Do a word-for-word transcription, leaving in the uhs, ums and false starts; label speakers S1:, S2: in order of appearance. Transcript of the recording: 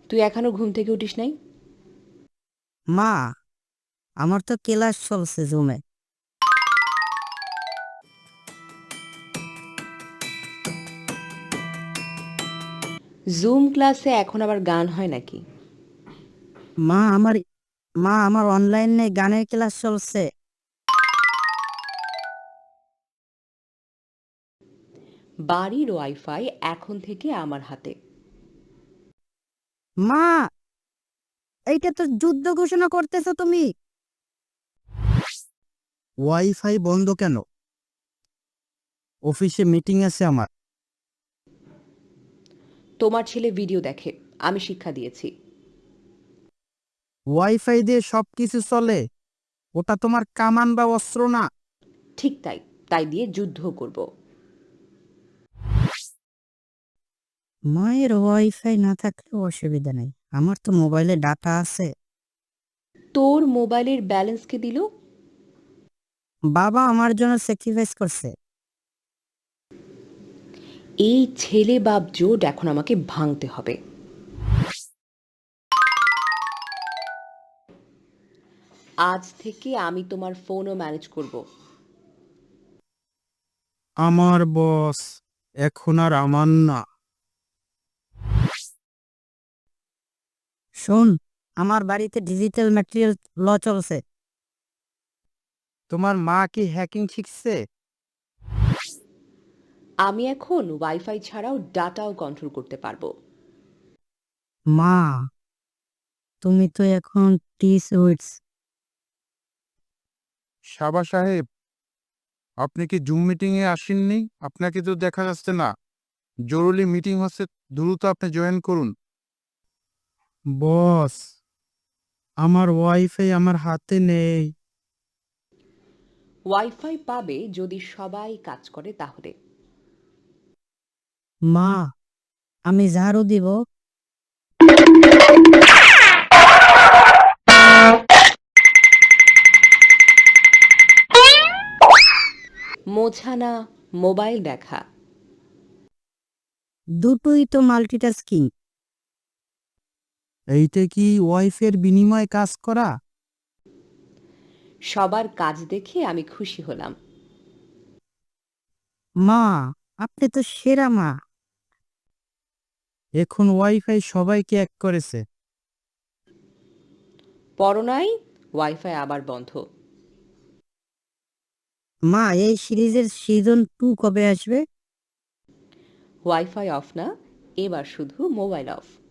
S1: তুই এখনো ঘুম থেকে উঠিস নাই?
S2: মা, আমার তো ক্লাস চলছে জুমে।
S1: জুম ক্লাসে এখন আবার গান হয় নাকি?
S2: মা আমার মা আমার অনলাইনে গানের ক্লাস চলছে।
S1: বাড়ির ওয়াইফাই এখন থেকে আমার হাতে।
S2: মা, এইটা তো যুদ্ধ ঘোষণা করতেছো তুমি। ওয়াইফাই বন্ধ কেন? অফিসে মিটিং আছে আমার।
S1: তোমার ছেলে ভিডিও দেখে, আমি শিক্ষা দিয়েছি।
S2: ওয়াইফাই দিয়ে সবকিছু চলে, ওটা তোমার কামান বা অস্ত্র না।
S1: ঠিক তাই, তাই দিয়ে যুদ্ধ করব।
S2: মায়ের ওয়াইফাই না থাকলেও অসুবিধা নেই, আমার তো মোবাইলে ডাটা আছে।
S1: তোর মোবাইলের ব্যালেন্স কে দিল?
S2: বাবা আমার জন্য স্যাক্রিফাইস করছে।
S1: এই ছেলে বাপ জোট এখন আমাকে ভাঙতে হবে। আজ থেকে আমি তোমার ফোনও ম্যানেজ করব।
S2: আমার বস এখন আর আমার না। শোন, আমার বাড়িতে ডিজিটাল ম্যাটেরিয়াল ল চলছে। তোমার মা কি হ্যাকিং শিখছে?
S1: আমি এখন ওয়াইফাই ছাড়াও ডাটাও কন্ট্রোল করতে পারবো।
S2: মা, তুমি তো এখন টিস উইটস।
S3: সাবা সাহেব, আপনি কি জুম মিটিং এ আসেননি? আপনাকে তো দেখা যাচ্ছে না। জরুরি মিটিং হচ্ছে, দ্রুত আপনি জয়েন করুন।
S2: বস, আমার ওয়াইফাই আমার হাতে নেই।
S1: ওয়াইফাই পাবে যদি সবাই কাজ করে তাহলে।
S2: মা, আমি ঝাড়ু দিব।
S1: মোছা না, মোবাইল দেখা।
S2: দুটোই তো মাল্টিটাস্কিং। এইটা কি ওয়াইফের বিনিময়ে কাজ করা?
S1: সবার কাজ দেখে আমি খুশি হলাম।
S2: মা, আপনি তো সেরা মা। এখন ওয়াইফাই সবাইকে এক করেছে।
S1: পরনাই, ওয়াইফাই আবার বন্ধ।
S2: মা, এই সিরিজের সিজন টু কবে আসবে?
S1: ওয়াইফাই অফ না, এবার শুধু মোবাইল অফ।